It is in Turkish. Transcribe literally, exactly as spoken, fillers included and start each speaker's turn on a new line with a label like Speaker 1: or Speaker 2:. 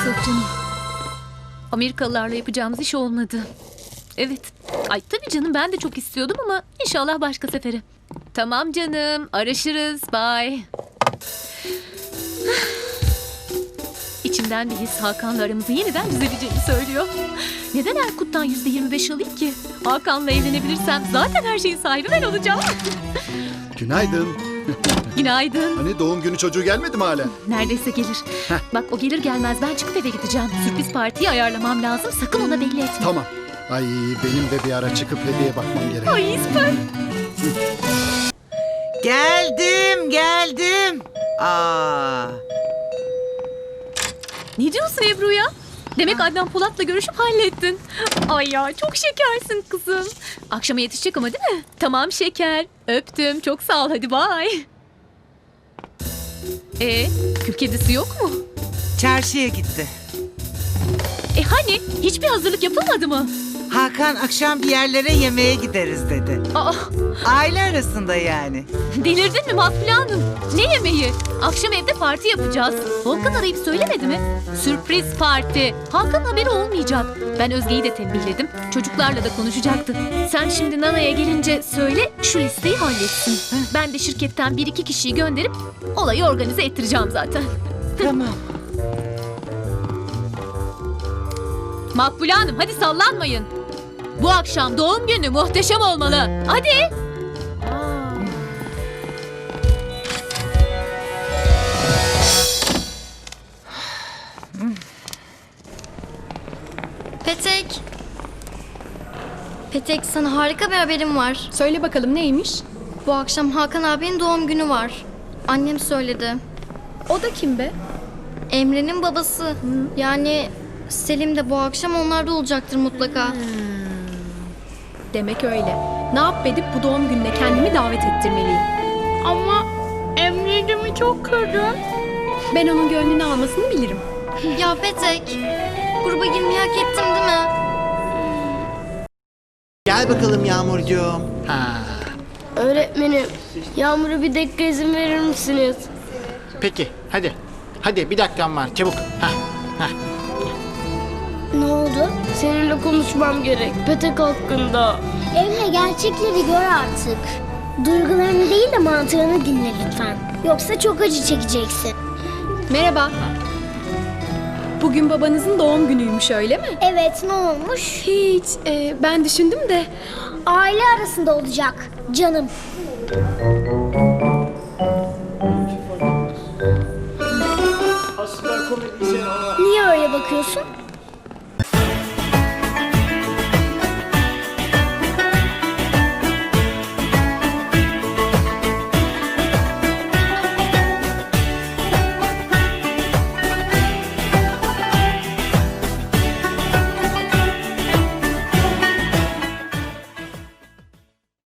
Speaker 1: yok canım. Amerikalılarla yapacağımız iş olmadı. Evet. Ay tabii canım, ben de çok istiyordum ama inşallah başka sefere. Tamam canım, araşırız. Bye. İçimden bir his Hakan'la aramızı yeniden düzeleceğini söylüyor. Neden Erkut'tan yüzde yirmi beş alayım ki? Hakan'la evlenebilirsem zaten her şeyin sahibi ben olacağım.
Speaker 2: Günaydın.
Speaker 1: Günaydın.
Speaker 2: Hani doğum günü çocuğu gelmedi mi hala?
Speaker 1: Neredeyse gelir. Bak o gelir gelmez ben çıkıp eve gideceğim. Sürpriz partiyi ayarlamam lazım. Sakın ona belli etme.
Speaker 2: Tamam. Ay benim de bir ara çıkıp hediye bakmam gerek.
Speaker 1: Ay süper.
Speaker 3: Geldim, geldim. Aa,
Speaker 1: Ne diyorsun Ebru ya? Demek Adnan Polat'la görüşüp hallettin. Ay ya çok şekersin kızım. Akşama yetişecek ama değil mi? Tamam şeker. Öptüm. Çok sağ ol. Hadi bye. E, kül kedisi yok mu?
Speaker 3: çarşıya gitti.
Speaker 1: E hani hiçbir hazırlık yapılmadı mı?
Speaker 3: Hakan akşam bir yerlere yemeğe gideriz dedi.
Speaker 1: Aa,
Speaker 3: Aile arasında yani.
Speaker 1: delirdin mi Makbule Hanım? Ne yemeği? Akşam evde parti yapacağız. Volkan arayıp söylemedi mi? Sürpriz parti. Hakan'ın haberi olmayacak. Ben Özge'yi de tembihledim. Çocuklarla da konuşacaktı. Sen şimdi Nana'ya gelince söyle şu listeyi halletsin. Ben de şirketten bir iki kişiyi gönderip olayı organize ettireceğim zaten.
Speaker 3: Tamam.
Speaker 1: Makbule Hanım hadi sallanmayın. Bu akşam doğum günü muhteşem olmalı. Hadi.
Speaker 4: Petek. Petek, sana harika bir haberim var.
Speaker 5: Söyle bakalım neymiş?
Speaker 4: Bu akşam Hakan abinin doğum günü var. Annem söyledi.
Speaker 5: O da kim be?
Speaker 4: Emre'nin babası. Yani Selim de bu akşam onlarda olacaktır mutlaka.
Speaker 5: Demek öyle. Ne yap edip bu doğum gününe kendimi davet ettirmeliyim.
Speaker 6: Ama Emre'cimi çok kırdım.
Speaker 5: Ben onun gönlünü almasını bilirim.
Speaker 4: Ya Petek, gruba girmeyi hak ettim değil mi?
Speaker 7: Gel bakalım Yağmurcuğum. Ha.
Speaker 6: Öğretmenim, Yağmur'a bir dakika izin verir misiniz?
Speaker 7: Peki hadi. Hadi bir dakikan var çabuk. Ha. Ha.
Speaker 6: Ne oldu? Seninle konuşmam gerek. Petek hakkında.
Speaker 8: Emre, gerçekleri gör artık. Duygularını değil de mantığını dinle lütfen. Yoksa çok acı çekeceksin.
Speaker 5: Merhaba. Bugün babanızın doğum günüymüş, öyle mi?
Speaker 8: Evet, ne olmuş?
Speaker 5: Hiç. e, ben düşündüm de.
Speaker 8: Aile arasında olacak canım. Niye öyle bakıyorsun?